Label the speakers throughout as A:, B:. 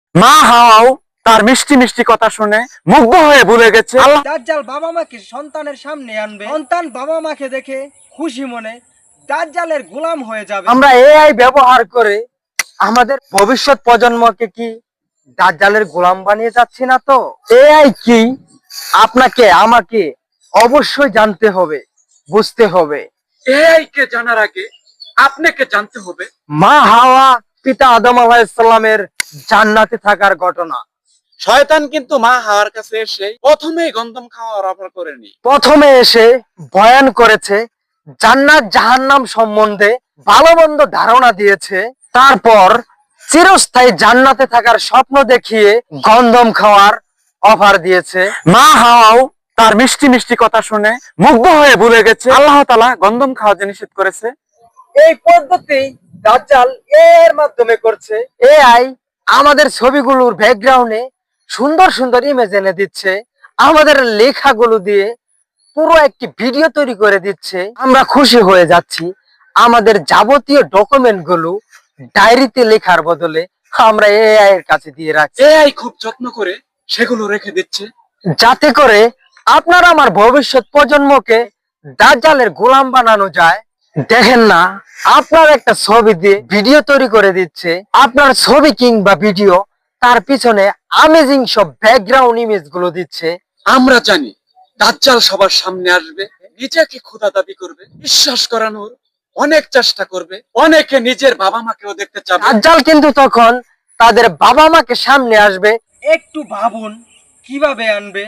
A: মা হাওয়াও তার মিষ্টি মিষ্টি কথা শুনে মুগ্ধ হয়ে ভুলে গেছে আল্লাহ।
B: দাজ্জাল বাবা মাকে সন্তানের সামনে আনবে, সন্তান বাবা মাকে দেখে খুশি মনে দাজ্জালের গোলাম হয়ে যাবে।
A: আমরা এআই ব্যবহার করে আমাদের ভবিষ্যৎ প্রজন্মকে কি দাজ্জালের গোলাম বানিয়ে যাচ্ছি না তো? এআই কি আপনাকে আমাকে অবশ্যই জানতে হবে, বুঝতে হবে।
C: এআই কে জানার আগে আপনাকে জানতে হবে
A: মা হাওয়া পিতা আদম আলাইহিস সালামের জান্নাতে থাকার ঘটনা।
C: শয়তান কিন্তু মা হাওয়ার কাছে এসে প্রথমেই গন্ধম খাওয়ার অফার করেনি।
A: প্রথমে এসে বয়ান করেছে, জান্নাত জাহান্নাম সম্বন্ধে ভালো মন্দ ধারণা দিয়েছে, তারপর চিরস্থায়ী জান্নাতে থাকার স্বপ্ন দেখিয়ে গন্ধম খাওয়ার অফার দিয়েছে। মা হাওয়াও তার মিষ্টি মিষ্টি কথা শুনে মুগ্ধ হয়ে ভুলে গেছে আল্লাহ তাআলা গন্ধম খাওয়াতে নিষেধ করেছে। এই পদ্ধতি দাজ্জাল এর মাধ্যমে করছে। এআই আমাদের ছবিগুলোর ব্যাকগ্রাউন্ডে সুন্দর সুন্দর ইমেজ এনে দিচ্ছে, আমাদের লেখাগুলো দিয়ে পুরো একটি ভিডিও তৈরি করে দিচ্ছে। আমরা খুশি হয়ে যাচ্ছি। আমাদের যাবতীয় ডকুমেন্ট গুলো ডায়েরিতে লেখার বদলে আমরা এআই এর কাছে দিয়ে রাখছি,
C: এআই খুব যত্ন করে সেগুলো রেখে দিচ্ছে,
A: যাতে করে আপনার আমার ভবিষ্যৎ প্রজন্মকে দাজ্জালের গোলাম বানানো যায়। দেখেন না, আপনার একটা ছবি দিয়ে ভিডিও তৈরি করে দিচ্ছে, আপনার ছবি কিংবা ভিডিও তার পিছনে আমেজিং সব ব্যাকগ্রাউন্ড ইমেজ গুলো দিচ্ছে।
C: আমরা জানি দাজ্জাল সবার সামনে আসবে, নিজেকে খোদা দাবি করবে, বিশ্বাস করানোর অনেক চেষ্টা করবে, অনেকে নিজের বাবা মাকেও দেখতে চাবে।
A: দাজ্জাল কিন্তু তখন তাদের বাবা মাকে সামনে আসবে।
B: একটু ভাবুন কিভাবে আনবে।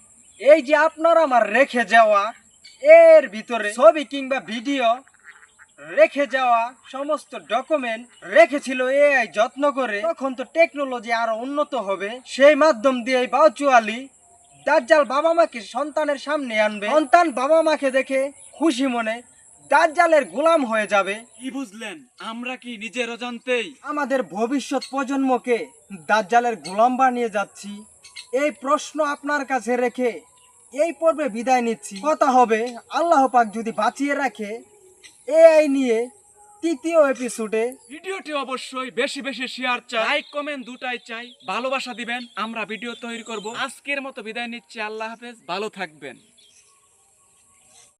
B: এই যে আপনার আমার রেখে যাওয়া এর ভিতরে ছবি কিংবা ভিডিও রেখে যাওয়া সমস্ত ডকুমেন্ট রেখেছিল এআই যত্ন করে। তখন তো টেকনোলজি আরো উন্নত হবে, সেই মাধ্যম দিয়ে বাউচুয়ালি দাজ্জাল বাবা মাকে সন্তানের সামনে আনবে, সন্তান বাবা মাকে দেখে খুশি মনে দাজ্জালের গোলাম হয়ে যাবে।
C: কি বুঝলেন? আমরা কি নিজের অজান্তেই
B: আমাদের ভবিষ্যৎ প্রজন্মকে দাজ্জালের গোলাম বানিয়ে যাচ্ছি? এই প্রশ্ন আপনার কাছে রেখে এই পর্বে বিদায় নিচ্ছি। কথা হবে আল্লাহ পাক যদি বাঁচিয়ে রাখে এআই নিয়ে তৃতীয় এপিসোডে।
C: ভিডিওটি অবশ্যই বেশি বেশি শেয়ার চাই, লাইক কমেন্ট দুটাই চাই, ভালোবাসা দিবেন, আমরা ভিডিও তৈরি করব। আজকের মতো বিদায় নিচ্ছি, আল্লাহ হাফেজ, ভালো থাকবেন।